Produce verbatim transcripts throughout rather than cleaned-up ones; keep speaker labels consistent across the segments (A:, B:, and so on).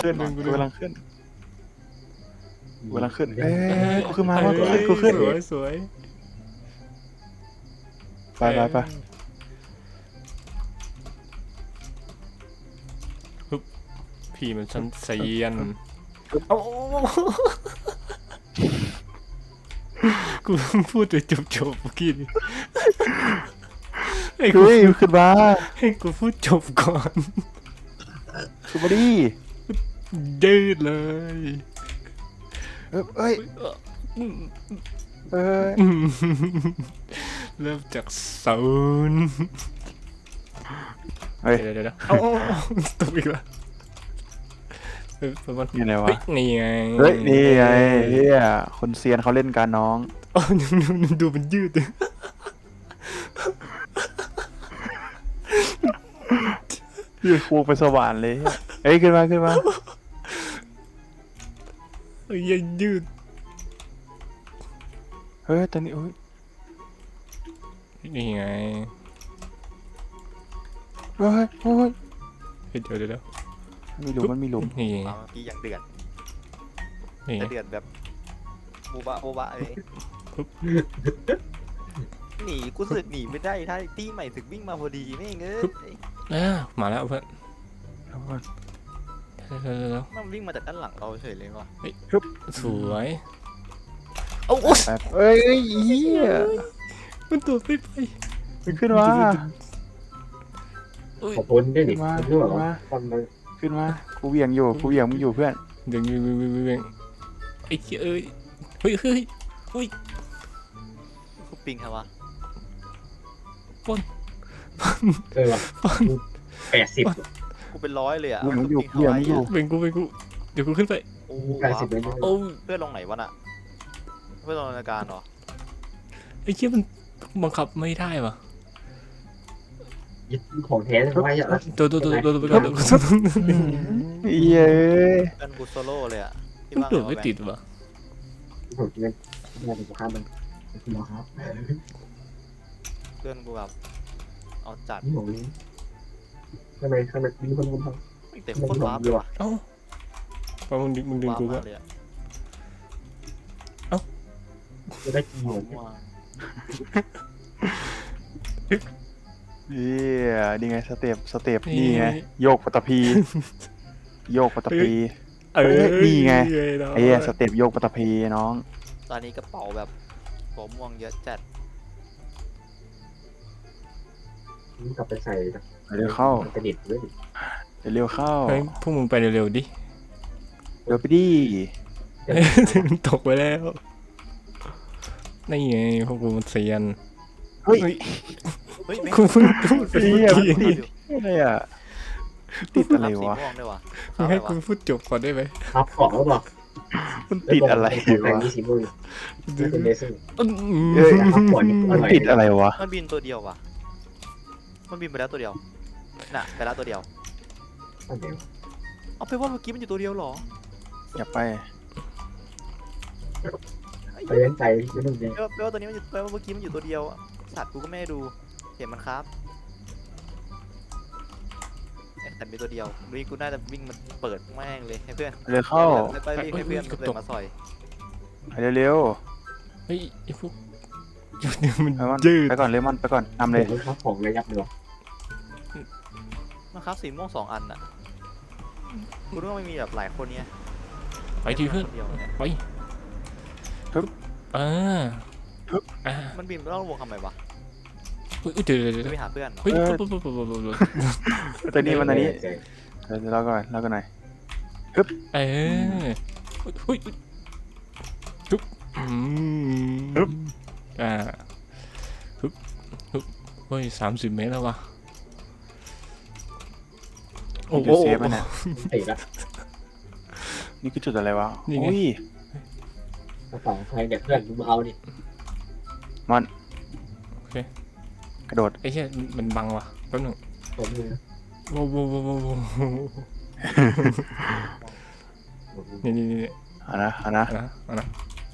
A: ขึ้นกูกำลังขึ้นกูกำลังขึ้นเอ้ยกูขึ้นมาว่ากูขึ้นกูขึ้น
B: สวยสวย
A: ไปไปไป
B: พี่มันชั้นเซียนเอากูพูดจบจบจบเมื่อกี้นี่ให้กู
A: เฮ้ยขึ้นมา
B: ให้กูพูดจบก่อน
A: ขึ้นมาดิ
B: ยืดเลย
A: เอ้ยเอ้ยเอ้ย
B: เริ่มจากศูนย์
A: เฮ้ย
B: เดี๋ยวเดี๋ยวเอาตกอีกแล้วเฮ้ยประมาณ
A: นี่อะไรวะ
B: นี่ไง
A: เฮ้ยนี่ไงเฮียคนเซียนเขาเล่นการน้อง
B: อ๋อดูมันยืด
A: ยืดคูไปสว่านเลยเฮ้ยขึ้นมาขึ้นมา
B: ยังยืด
A: เฮ้ยตอนนี้โอ้ย
B: นี่ไง
A: เฮ้ยโอ้ย
B: เฮ้ยเดี๋ยวเดี๋ยวเดี๋ยว
A: มีหลุมมันมีหลุม
B: นี่
C: เมื่อกี้อย่างเดือด
B: นี่
C: จะเดือดแบบโบบะโบบะเลยหนีกูสึกหนีไม่ได้ถ้าตี้ใหม่สึกวิ่งมาพอดีไม่เงี้ย
B: อ่ามาแล้วเพื่อน
A: เอาก่อน
B: เดี๋ยวเดี๋ยวเดี๋ยวเดี๋ยว
C: มันวิ่งมาจากด้านหลังเราเฉยเลยว่ะ
B: สวยเอาโอ๊ย
A: ไปเอ้ยเอ้ยเฮีย
B: มันตัวไม่ไป
A: ขึ้นมา
D: ขอบคุณด้วยดิ
A: มา
D: คุณด้วยเหรอ
A: มา
D: ฟังเลย
A: ขึ้นมากูเหวี่ยงอยู่กูเหวี่ยงมึงอยู่เพื่อน
B: เดี๋ยวเดี๋ยวเดี๋ยวเดี๋ยวเดี๋ยวไอ้เหี้ยเอ้ยเฮ้ยเฮ้ยเฮ้ย
C: กูปิงครับวะ
D: เออว่ะแปดสิบ
C: กูเป็นร้อยเลยอ่ะ
A: เหวี่ยงมึงอยู่เหวี่ยงมึงอยู่
B: เป็นกูเป็นกูเดี๋ยวกูขึ้นไป
C: โอ้
D: แปดสิบเลย
B: โอ้
C: เพื่อนลงไหนวะน่ะเพื่อนลงรายการเหรอ
B: ไอ้เหี้ยมันบังคับไม่ได้ว่ะ
D: ยึดของแท้ไว้อะ
B: ตัวตัวตัวตัวตัวไปก่อนตัวตัว
A: เย้ย
C: เพื่อนกูโซโล่เลยอ่ะที่
B: มัน
C: ว่า
B: ตัวไม่ติดว่ะ
D: ผมกินงานเป็นข้ามมันคุณหมอครับ
C: เพื่อนกูแบบเอาจัด
D: นี่ผมข้างในข้างในมีคนคนท
C: เต็มโคตรวาร์ปเลยว่ะ
B: เอ้าพอมึงดึงมึงดึง
C: วาร์ป
B: กู
C: มา
B: ก็
C: กเลยอ่ะ
D: ำจะได้กี่หมด
C: ว้าว
A: เย้ยนี่ไงสเต็ปสเต็ปนี่ไงโยกปัตตภีโยกปัตตภี
B: เออ
A: นี่ไง
B: เนาะ
A: ไอ้เหี้ยสเต็ปโยกปัตตภีน้อง
C: ตอนนี้กระเป๋าแบบหัวม่วงเยอะจัด
D: กลับไปใส่
A: เร็วเข้า
D: กระดิ่งด้วย
A: เร็วเข้า
B: เฮ้ยพวกมึงไปเร็วๆดิ
A: เร็วไปดิ
B: มันตกไปแล้วนี่ไงพวกกูมันเซียน
A: เฮ้ย
C: เฮ้ยแม่ง
B: กูเพิ่งพูดไปเมื่อกี้
A: ติดอะไรอ่ะติดอะไร
C: สี
A: วะ
C: ม่วงด้วยวะ
B: มึงให้กูพูดจบก่อนได้ไหม
D: รับของแล้วบอก
A: มันติดอะไร
D: แข่
A: วะ
D: งมีสีมือเป็นเลเซอร์
B: อืม
A: เอ้ย
D: รับของ
A: มันติดอะไรวะ
C: มันบินตัวเดียววะมันบินไปแล้วตัวเดียวน่ะไปแล้วตัวเดียว
D: อันเดียว
C: เอาไปว่าเมื่อกี้มันอยู่ตัวเดียวเหรอ
A: อย่าไป
D: ไปเล่นใจไม่ต้องเล่น
C: แปลว่าแปลว่าตัวนี้มันอยู่แปลว่าเมื่อกี้มันอยู่ตัวเดียวอะสัตว์กูก็ไม่ได้ดูเห็นมันครับเอ๊ะแต่มีตัวเดียวดูกูน่าจะวิ่งมันเปิดแม่งเลยให้เพื่อน
A: เร็วเข้า
C: แล้วก็วิ่งให้เพื่อนเดินมาซอย
A: ไปเร็ว
B: เฮ้ยไอ้พวกหยุดเนี่ยมัน
A: ๆไปก่อน
B: ยืด
A: ไปก่อนเลมอนไปก่อนนำเลย
D: ผมรับของระยับเลย
C: นะครับสีม่วงสองอันน่ะกูนึกว่าไม่มีแบบหลายคนเนี้ย
B: ไปทีเพื่อน
C: คเดียวเนี่ย
B: ไปอ่าอ่า
C: มันบินไปรอบวงทำไมวะ
B: เฮ้ยเดี๋ยวเดี๋ยวเดี๋ยว
C: จะไปหาเพื่อน
B: เฮ้ยปุ๊บปุ๊บปุ๊บปุ๊บปุ๊บปุ๊บ
A: ตัวนี้มันตัวนี้เดี๋ยวเราก่อนเราก่อนหน่อย
B: เออเฮ้ยฮึบอืมอ่าฮึบฮึบเฮ้ยสามสิบเมตรแล้ววะโอ้
A: นี่
B: โห
A: คือเซฟมันเนี่ย
D: ติดละ
A: นี่คือจุดอะไรวะ
B: นี่ไง
A: อุ้ย
D: กระเป๋าใครเนี่ยเพื่อนมึงเอาดิ
A: มัน
B: โอเค
A: กระโดด
B: ไอ้เหี้ยมันบังว่ะแป๊บหนึง
D: ผมมือ
B: โว้โว้โว้โว้โว้นี่นี่นี่
A: เอานะเอานะ
B: เอานะเอานะ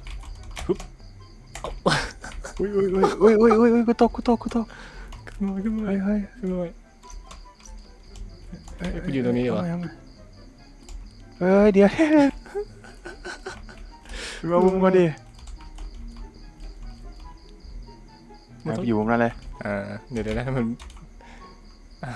A: อุ้ยอุ้ยอุ้ยอุ้ยอุ้ยอุ้ยกูตกกูตกกูตก
B: ขึ้นมาขึ้นมา
A: เฮ้ยเฮ้ย
B: ขึ้นมาเฮ้ยกูอยู่ตรงนี้เหรอ
A: เามาเามาเอ้ยเดี๋ยวมาบุ้มก็ดิไหนไปอยู่มุมนั้นเลย
B: อ่าเดี๋ยวเดี๋ยวนะมันอ่า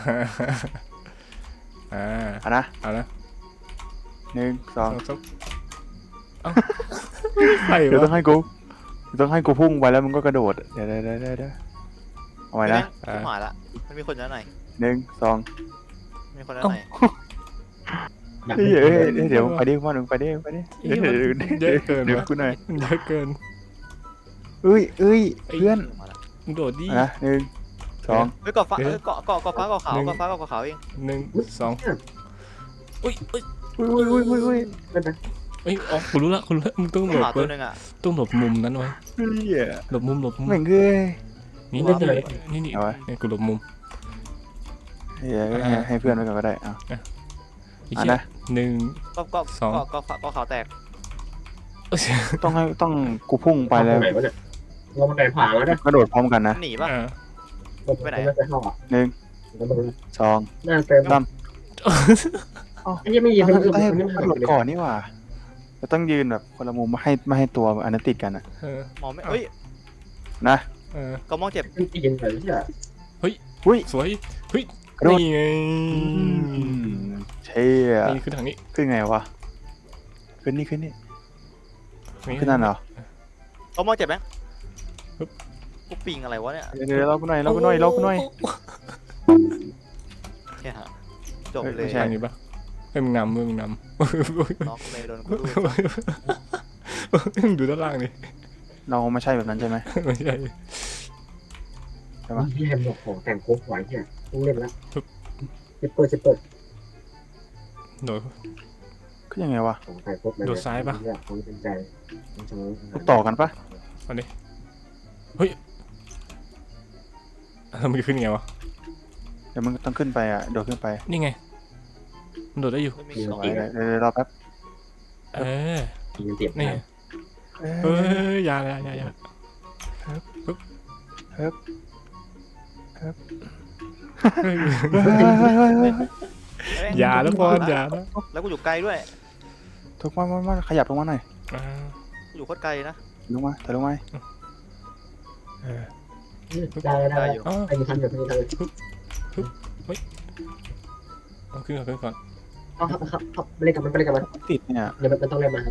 B: อ่า
A: เอานะ
B: เอาละ
A: หนึ่งสอง
B: เอาสักเอ้าใคร
A: เดี๋ยวต้อ
B: วะ
A: งให้กูเดี๋ยวต้องให้กูพุ่งไปแล้วมึงก็กระโดดเดี๋ยวเดี๋ยวเดี๋ยวเดี๋ยวเอาไว้นะ
C: ชิบหายละมันมีคนอยู่ด้านใน
A: หนึ่งสอง
C: มีคนด้านใน
D: อยาก
A: เฮ้ยเอ้ยเอ้ยเดี๋ยวไปดิพ่อหนึ่งไปดิไปดิ
B: เหี้ยมันเยอะเกิน
A: เดี๋ยว
B: วะ
A: กูหน่อย
B: เยอะเกิน
A: เอ้ยเอ้ยเพื่อน
C: มาละ
B: มึงโดดดิ
A: เอานะหนึ่งสอง
C: เฮ้ยเกาะฟ้าเฮ้ยเกาะเกาะเกาะฟ้าเกาะขาวเกาะฟ้าเกาะขาวเอง
B: หนึ่งสองอุ้ยอุ้ย
A: อุ้ยอุ้ยอุ้ยอุ้ยอุ้ย
D: นั่นนะ
B: เอ้ยอ๋อกูรู้ละกูรู้ละมึงต้องหล
C: หมา
B: บ
C: ตัว
B: เว้ย
C: หนึงอ่ะ
B: ต้องหลบมุมนั้นไว้
A: เฮ้ย
B: หลบมุมหลบมุม
A: แม่งเอ้ย
B: นี่นี่นี่นี่
A: เอาไว้
B: นี่กูหลบมุม
A: เฮ้ยให้ให้เพื่อนไว้ก่อนก็ได้เอา
B: ไอ้
A: อ่ะ
B: เหี้ย
A: นะ
B: หนึ่ง
C: เกาะเกาะ
B: สอง
C: เกาะเกาะฟ้าเกาะขาวแตก
A: ต้องให้ต้องกูพุ่งไปแล้ว
D: ไหนวะเนี่ยเรามันไก่ผ่าแล้วนะ
A: กระโดดพร้อมกันนะ
C: หนีป่ะ
B: อ่า
C: ไปไหน
D: น่าจะเข้าอ่ะ
A: หนึ่งสอง
D: น่าเต็ม
A: สาม
D: ไอ้ยังไม่ยิน
A: เรา
D: มัน
A: ต้องให้
D: มัน
A: กระโดดก่อนนี่หว่าเราต้องยืนแบบคนละมุมไม่ให้ไม่ให้ตัวอันนั้นติดกันอะ
B: เออ
C: มองไม่เฮ้ย
A: นะ
B: เออ
C: ก็มองเจ็บ
D: มันยินเลยที่อ่ะ
A: อุ้ย
B: สวยเฮ้ย
A: กระโดด
B: นี่ไง
A: เชี่ย
B: นี่คือทางนี้
A: ขึ้นไงวะขึ้นนี่ขึ้นนี่ขึ้นนั่นเหรอ
C: ก็มองเจ็บไหมกูปิงอะไรวะเนี่ย
A: เดี๋ยวเดี๋ยวเรากูหน่อยเรากูหน่อยเรากูหน่อย
C: เนี่ยฮะจบ
A: เฮ้ย
C: เลย
A: ไม่ใช่
B: ทางนี้ปะให้มึงนำมึงนำ
C: น็อกเลยโดนกูดู
B: มึงดูด้านล่างดิ
A: เราไม่ใช่แบบนั้นใช่ไหม
B: ไม่ใช่
A: ใช่ปะ
D: ที่แฮมบอกของแต่งโค้กไหวเนี่ยต้องเล่นแล้วจะเปิดจะเปิด
B: โดด
A: ขึ้นยังไงวะ
D: ของแต่งโค้กของเป็นใจของฉัน
A: ลูกต่อกันปะ
B: ทำไมขึ้นไงวะ
A: เดี๋ยวมันต้องขึ้นไปอ่ะโดดขึ้นไป
B: นี่ไงมันโดดได้อยู่
C: ไม่มีสอง
A: เดี๋ยวเดี๋ยวเดี๋ยวรอแป๊บ
B: เออ
D: ยินเตียบ
B: นี่
A: เอ้ย
B: เฮ้ยอยาอยาอยาอยา
A: ฮึบ
B: เฮ้ย
A: เฮ้ยเฮ้ยเฮ้ยเฮ้ย
B: อย่าแล้วพอนอย่าแล้ว
C: แล้วกูอยู่ไกลด้วย
A: ถูกมามามาขยับลงมาหน่อย
B: อ่า
C: กูอยู่โคตรไกลนะ
A: ลงมาถอยลงมาเออ
D: ได้ได้
C: ได้อยู่
B: อ๋อ
D: ไอ้มีทันอยู่มีทันอยู่
B: เอาขึ้นก่อนขึ้นก่อน
D: เอาครับครับครับไปเล่นกับมันไปเล่นกับมัน
A: ติดเนี่ย
D: เดี๋ยวมันต้องเล่นมา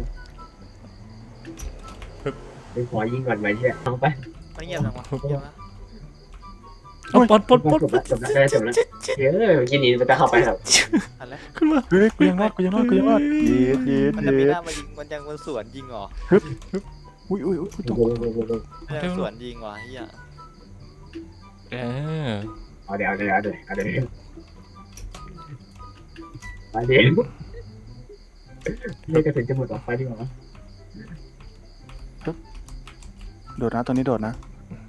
D: เป็นขอยิงก่อนไหมเนี่ยเอาไป
C: ไม่เงียบจังวะเงียบนะ
B: เอาปลดปลดปลด
D: จบแล้วจบแล้วจบแล้วเฮ้ยยินดีมันจะเข้าไปครับ
C: อันแรก
B: ขึ้นมา
A: เฮ้ยกูยังรอดกูยังรอดกูยังรอดเย็ดเย็ด
C: มันจะ
A: เย็
C: มี
A: ด
C: หน้ามายิงมันยังมันสวนยิงเหรอ
A: อุ้ยอุ้ยอุ้ยตก
C: มันยังสวนยิงว่ะเฮีย
B: เออ
D: เอาเดี๋ยวเอาเดี๋ยวเอาเดี๋ยวเอาเดี๋ยวไปเดี๋ยวเล่นกระถึงจะหมดออกไปดีกว่า
A: โดดนะตัวนี้โดดนะ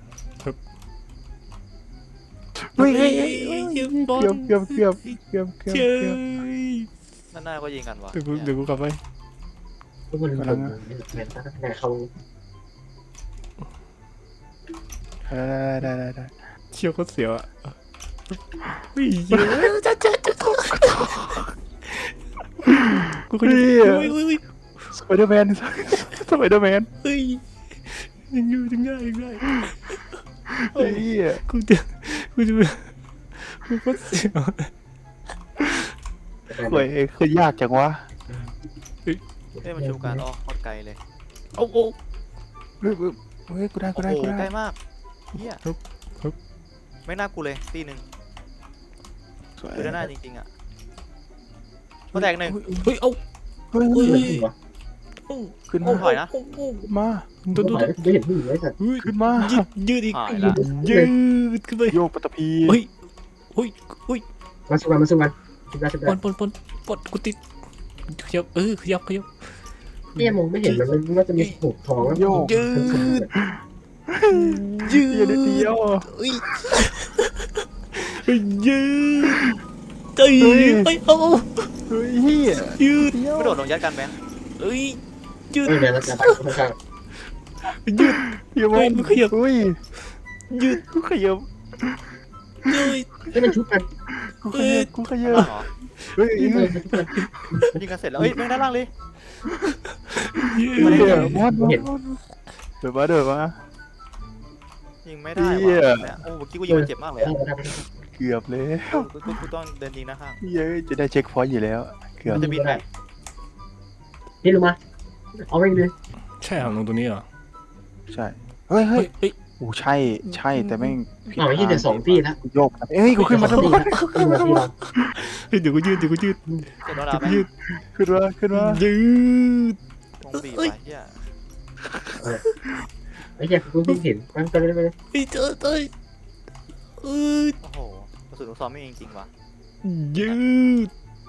A: เฮ้ยเฮ้ยเฮ้ยเกือบเกือบเกือบเกือบเกือบ
B: เจ้
A: เกือบ
B: ย
C: นั่นหน้าก็ยิงกันว่ะ
B: เดี๋ยวกูเดี๋ยวกูกลับไป
D: ทุกคนกำลังแมนตั้งแต่เขา
A: ได้ได้ได้ได้
B: เชี่ยวโคตรเสียวอ่ะเฮ้ยเยอะจ้าจ้าจ้ากูก็ยังเฮ้ยเฮ้ย
A: สไปเดอร์แมนสไปเดอร์แมน
B: เฮ้ยยังอยู่ยังได้ยังได้
A: เฮ้ย
B: กูจะกูจะกูก็เสียว
A: เคยเคยยากจังวะ
C: เฮ้ยมันชูการออกโคตรไกลเลย
B: โอ้โอ้
A: เฮ้ยเฮ้ยกูได้กู
C: โอ้
A: ได้
C: โห
A: กู
C: ใก
A: ได้
C: ล้มากเฮียไม่น่ากูเลยตีหนึ่งคือด้านหน้าจริงๆอ่ะมาแตกหนึ่ง
B: เฮ้ยเอา
A: เฮ้ย
B: เฮ้ย
A: ขึ้น
C: โอ้
A: มา
C: ถอยนะ
A: มา
B: ตัวตัว
D: ไม่เห็นผู้หญิงเลยสัตว์
A: ขึ้นมา
B: ยืดยืดอีก
C: หายละ
B: ยืดขึ้นไป
A: โยกปัตตพี
B: เฮ้ยเฮ้ยเฮ้ย
D: มาสู้กันมาสู้กันชุบได้ชุบ
B: ป
D: ได้
B: นปนปนปนกูติดขยับเออขยับขยับ
D: เนี่ยมองไม่เห็นมันมันว่าจะมีหูทองแล้ว
B: ยืดยื
A: เดียว
B: ด
A: เดียว
B: เฮ้ยยืดเฮ้ยเฮ้ยเอา
A: เฮ้ยเฮีย
B: ยืด
A: เดียว
C: ไม่โดดลงยัดกันไหม
B: เฮ้ยยืด
D: เออเนี่ยแล้วจะไปข้าง
B: ยืด
A: เฮียม
B: เฮ้ยมึงขยับ
A: อุ้ย
B: ยืด
A: กูขยับ
B: ยืด
D: ๆให้มันชุบกัน
A: กูขยับกูขยับ
C: เหรอ
A: เฮ้ย
D: นี่
A: เฮ้
D: เลย ยทุกคน
C: ยิงกันเสร็จแล้วเอ้ยแม่งด้านล่างเลย
B: เย้
A: เหี้ยมอดมอดมอดเดี๋ยวมาเดี๋ยวมา
C: ยิงไม่ได้
A: เหี้
C: ว่ะ
A: ย
C: เนี่ยโอ้เมื่อกี้กูยิงมันเจ็บมากเลยอะ
A: เกือบเลย
C: กูกูกูต้องเดินยิงนะข้าง
A: เย้ยจะได้เช็คพอยต์อยู่แล้ว เกือบ
C: มันจะบินไหม
D: นี่ลงมาเอาไปเลย
B: ใช่เหรอลงตัวนี้เหรอ
A: ใช่เฮ้ยเฮ้
B: เฮ้
A: ย
B: ยเฮ้ย
A: โอ้ใช่ใช่แต่แม่งผิด
D: อ๋อที่เดี๋ยวสองตีแล้ว
A: โยกเอ้ยกูขึ้นมาทำไม
D: ขึ้นมาที่เรา
B: เฮ้ยเดี๋ยวกูยืดเดี๋ยวกูยืด
C: เจ็บโดนดาบไหม
B: ยืด
A: ขึ้นมาขึ้นมา
B: ยืด
C: วงบีบไปเฮีย
D: ไอ้เหี้ยกูเพิ่งเห็นมันไปเลยไปเลย
B: เฮ้ยเจอเจอเอ้ย
C: โอ้โหกระสุนลูกซองไม่มีจริงๆว่ะ
B: ยืด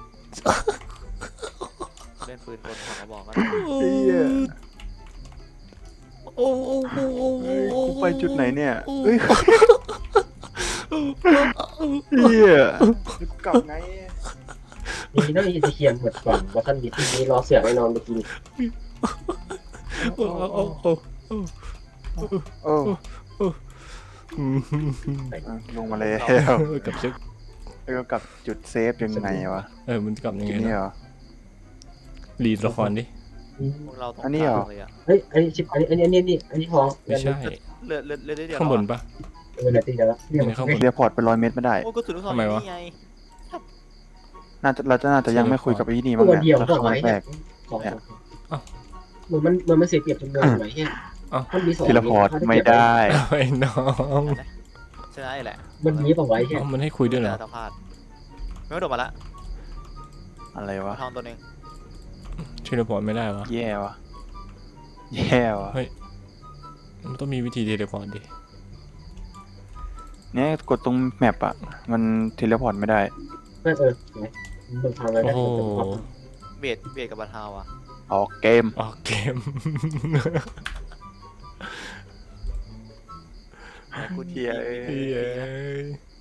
C: เล่นปืนกลของกระบอกก็
B: โอ้
A: เหี้ย
B: โอ้โอ้โอ้โอ้
A: เฮ้ย
B: โอ้
A: กูไปจุดไหนเนี่ยเฮ้ยเฮียกลับไง
D: นี่ต้องมีจะเคียนหมดก่อนว่าท่านบิดที่นี้รอเสือไว้นอนเมื่อกี้
B: โอ้โอ้โอ้
A: โอ้
B: อืม
A: ลงมาแล้ว
B: กลับเช็ค
A: แล้วก็กลับจุดเซฟยังไงวะ
B: เออมันกลับยัง
A: จุ
B: ไง
A: ดนี้
B: นะ
A: เหรอ
B: รีดละครดิ
C: พวกเราตรง
A: อันนี้เหรอ
C: กลางเลยอะ
D: เฮ้ยอันนี้ชิปอันนี้อันนี้อันนี้อันนี้ทอง
B: ไม่ใช่
C: เลือดเลือดเลือดได้เดียว
B: ข้างบนปะ
D: เออตีแล้วเนี่ย
B: ข้างบน
A: เรียพอร์ตไปร้อยเมตรไม่ได้
C: โอ้กระสุนลูกซอง
B: ทำไมวะ
C: นี่ไง
A: น่าจะเราจะน่าจะยังไม่คุยกับไอ้นี่มั้ง
D: ตัว
A: เนี่ย
D: เดียว
A: ถ้า
D: ก็
A: ค
D: ไว้
A: รั้งแรก
D: สองเหมือนมันมันมันเสียเปรียบจำนวนไว้แค่มันมีสอง
A: เทเลพอร์ตไม่ได้
B: ไอ้น้อง
C: ชนะไอ้แหละ
D: มันมีต่อไว้แค่
B: เอามันให้คุยด้วยเหรอ
C: แต่สัมภาษณ์ไม่โดดมาละ
A: อะไรวะ
C: ทองตัวหนึง
B: ช่วยรีพอร์ตไม่ได้วะ
A: แย่วะแย่วะ
B: มันต้องมีวิธีเทเลพอร์ตดิ
A: เนี่ยกดตรงแมปอะมันเทเลพอร์ตไม่ได้
D: เออเออมันทำอะไร
B: โอ้
D: ได้
B: โห
C: เบดเบดกับบาทาวอะ
A: ออกเกม
B: ออกเกม
C: แต่กู
A: เหี้ยเอ้ย
B: เฮ้ย